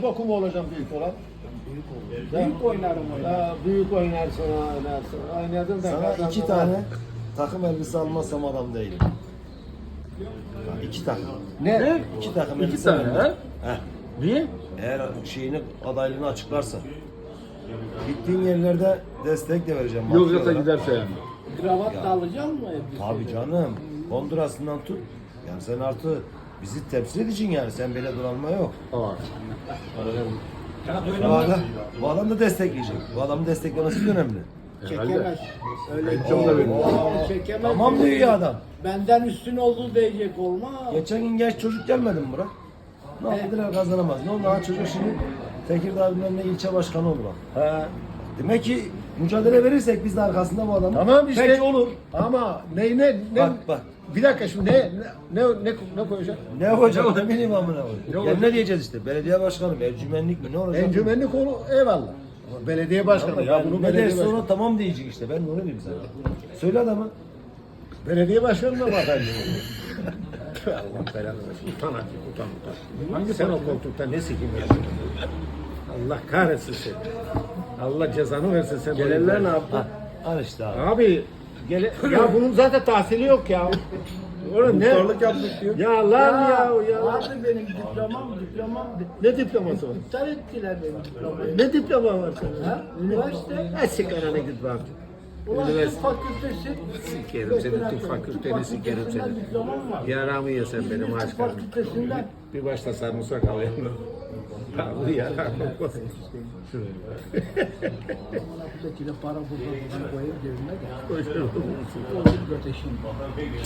Bokum olacağım büyük olan. Büyük oynarım oynar. Büyük oynarsın, oynarsın. Oynadın da Sana kazandın. 2 tane takım elbise almazsam adam değilim. 2 takım. Ne? 2 takım 2 elbise tane almam. ha? Heh. Niye? Eğer şeyini, adaylığını açıklarsa. Gittiğin yerlerde destek de vereceğim. Yok maddi yoksa olarak. giderse yani. Kravat da alacak mı? Tabii canım. Honduras'ından tut. Yani sen artı bizi temsil edeceksin yani. Sen böyle dolanma yok. Aa. Bu adam da destekleyecek. Bu adamın desteklemesi de önemli. Çekemez. Öyle Çok da benim. çekemez. Tamam diyor ya adam. Benden üstün olduğu diyecek olmaz. Geçen gün genç çocuk gelmedi mi Burak? Ne yaptılar kazanamaz. Ne oldu? Ha çocuk şimdi Tekirdağ bilmem ne ilçe başkanı oldu bak. Ha. Demek ki mücadele verirsek biz de arkasında bu adamın. Tamam işte. Peki olur. Ama ne Bak. Bir dakika şimdi ne koyacaksın? Ne yapacak ne bileyim amına koyayım. Ne Ya olacak? ne diyeceğiz işte? Belediye başkanı, encümenlik mi ne olacak? Encümenlik konu eyvallah. Ama belediye başkanı ya bunu ne belediye derse başkanı. ona tamam diyecek işte. Ben de onu diyeyim sana. Söyle adama. Belediye başkanına bak efendim. Allah belanı versin. Utan hadi utan. Hangi sen o koltukta ne sikim yapıyorsun? Allah kahretsin seni. Allah cezanı versin sen. Gelenler ne yaptı? Al işte abi. Abi ya bunun zaten tahsili yok ya. Oğlum ne? Muhtarlık yaptık diyor. Ya lan ya. Vardı benim diplomam. Ne diploması var? İptal ettiler benim diplomayı. Ne diploma var senin? Ha? Üniversite. Ha sigarana git bak. Ulan tıp Üniversite. fakültesi. Sikerim senin tıp fakülteni sikerim fakültesinden seni. diplomam var. Yaramı ye sen benim Tıp aşkım. fakültesinden. Bir başta sarımsak alayım. Abi ya. Buradaki de para burada koyup cebime de. Koyuyorum. Olur göteşim.